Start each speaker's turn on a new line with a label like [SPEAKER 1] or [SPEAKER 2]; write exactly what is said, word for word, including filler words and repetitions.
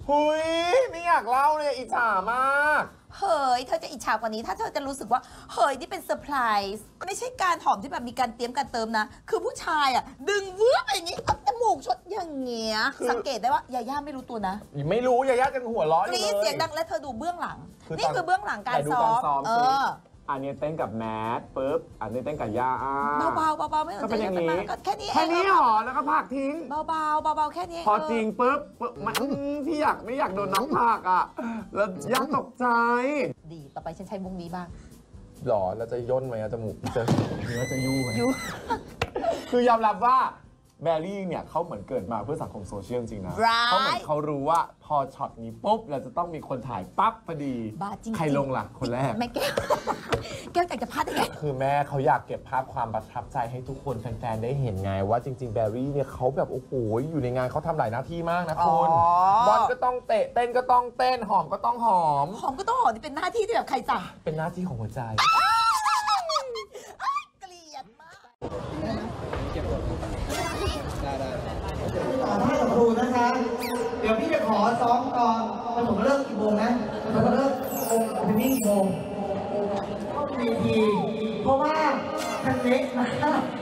[SPEAKER 1] หุยไม่อยากเล่าเลยอิจฉามาก
[SPEAKER 2] เฮ้ยเธอจะอิจฉากว่านี้ถ้าเธอจะรู้สึกว่าเฮ้ยนี่เป็นเซอร์ไพรส์ไม่ใช่การหอมที่แบบมีการเตรียมการเติมนะคือผู้ชายอ่ะดึงวื้ออย่างนี้เอาจมูกชดอย่างเงี้ยสังเกตได้ว่ายาย่าไม่รู้ตัวนะ
[SPEAKER 1] ไม่รู้ยาย่าจังหัวร้อนเลย
[SPEAKER 2] เสียงดังและเธอดูเบื้องหลังนี่คือเบื้องหลังการซ้อมเออ
[SPEAKER 3] อันนี้เต้นกับแมทปุ๊บอันนี้เต้นกับย่า
[SPEAKER 2] เบาๆเบาๆไม่สนใจ
[SPEAKER 3] เป็นอย่างนี้
[SPEAKER 2] แค่นี้
[SPEAKER 3] แค่นี้หรอแล้วก็ผักทิ้ง
[SPEAKER 2] เบาๆเบาๆแค่นี้
[SPEAKER 3] พอจริงปุ๊บมันพี่อยากไม่อยากโดนน้ำผักอ่ะแล้วย่าตกใจ
[SPEAKER 2] ดีต่อไปฉันใช้มุงนี้บ้าง
[SPEAKER 1] หรอเราจะย่นไหมจมูกจะหรือว่าจะยู่ไหม
[SPEAKER 2] ยู่
[SPEAKER 3] คือยอมรับว่าแบรี่เนี่ยเขาเหมือนเกิดมาเพื่อสังคมโซเชียลจริงนะเขาเหมือนเขารู้ว่าพอช็อตนี้ปุ๊บเราจะต้องมีคนถ่ายปั๊บพอดี
[SPEAKER 2] บ้าจริง
[SPEAKER 3] ใครลงล่ะคนแรก
[SPEAKER 2] แม่แก้วแก้วอยากจะพลาดได้ไง
[SPEAKER 1] คือแม่เขาอยากเก็บภาพความประทับใจให้ทุกคนแฟนๆได้เห็นไงว่าจริงๆแบรี่เนี่ยเขาแบบโอ้โหอยู่ในงานเขาทำหลายหน้าที่มากนะคุณบอลก็ต้องเตะเต้นก็ต้องเต้นหอมก็ต้องหอม
[SPEAKER 2] หอมก็ต้องหอมนี่เป็นหน้าที่ที่แบบใครสั่ง
[SPEAKER 1] เป็นหน้าที่ของหัวใจ
[SPEAKER 2] เกลียดมาก
[SPEAKER 4] เก็บหมดได้ได้
[SPEAKER 5] ให้กับครูนะคะเดี๋ยวพี่จะขอซ้อมก่อนแล้วผมเลิกกี่โมงนะผมเลิกองค์เป็นนี่กี่โมงก็มีทีเพราะว่าคันเล็กมาก